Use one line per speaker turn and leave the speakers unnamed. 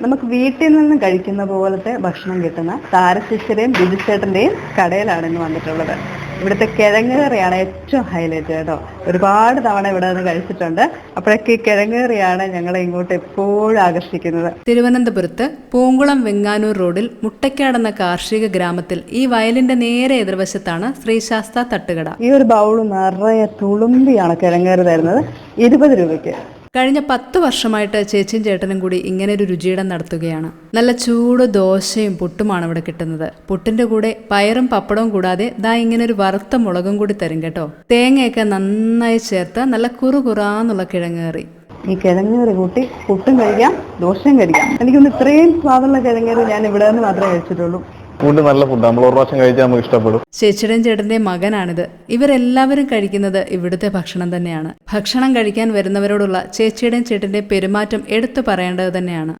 നമുക്ക് വീട്ടിൽ നിന്ന് കഴിക്കുന്ന പോലത്തെ ഭക്ഷണം കിട്ടുന്ന താരശിശിരയും ബിജുചേട്ടൻ്റെയും കടയിലാണ് ഇന്ന് വന്നിട്ടുള്ളത്. ഇവിടുത്തെ കിഴങ്ങ് കറിയാണ് ഏറ്റവും ഹൈലൈറ്റ് കേട്ടോ. ഒരുപാട് തവണ ഇവിടെ നിന്ന് കഴിച്ചിട്ടുണ്ട്. അപ്പോഴൊക്കെ ഈ കിഴങ്ങ് കറിയാണ് ഞങ്ങളെ ഇങ്ങോട്ട് എപ്പോഴും ആകർഷിക്കുന്നത്.
തിരുവനന്തപുരത്ത് പൂങ്കുളം വെങ്ങാനൂർ റോഡിൽ മുട്ടയ്ക്കാടെന്ന കാർഷിക ഗ്രാമത്തിൽ ഈ വയലിന്റെ നേരെ എതിർവശത്താണ് ശ്രീശാസ്ത തട്ടുകട.
ഈ ഒരു ബൗള് നിറയെ തുളുമ്പിയാണ് കിഴങ്ങ് കറി തരുന്നത്, 20 രൂപയ്ക്ക്.
കഴിഞ്ഞ 10 വർഷമായിട്ട് ചേച്ചിയും ചേട്ടനും കൂടി ഇങ്ങനെ ഒരു രുചിയിടം നടത്തുകയാണ്. നല്ല ചൂട് ദോശയും പുട്ടുമാണ് ഇവിടെ കിട്ടുന്നത്. പുട്ടിന്റെ കൂടെ പയറും പപ്പടവും കൂടാതെ ദാ ഇങ്ങനെ ഒരു വറുത്ത മുളകും കൂടി തരും കേട്ടോ. തേങ്ങയൊക്കെ നന്നായി ചേർത്ത് നല്ല കുറുകുറാന്നുള്ള കിഴങ്ങ് കറി.
ഈ കിഴങ്ങ് കറി കൂട്ടി പുട്ടും കഴിക്കാം, ദോശയും കഴിക്കാം. എനിക്കൊന്ന് ഇത്രയും സ്വാദുള്ള കിഴങ്ങ് കറി ഞാൻ ഇവിടെ നിന്ന് മാത്രമേ കഴിച്ചിട്ടുള്ളൂ.
ഫുഡ് നല്ല ഫുഡ്, നമ്മൾ ഒരു പ്രാവശ്യം കഴിച്ചാൽ നമുക്ക് ഇഷ്ടപ്പെടും.
ചേച്ചിയുടെയും ചേട്ടന്റെയും മകനാണിത്. ഇവരെല്ലാവരും കഴിക്കുന്നത് ഇവിടുത്തെ ഭക്ഷണം തന്നെയാണ്. ഭക്ഷണം കഴിക്കാൻ വരുന്നവരോടുള്ള ചേച്ചിയുടെയും ചേട്ടന്റെയും പെരുമാറ്റം എടുത്തു പറയേണ്ടത് തന്നെയാണ്.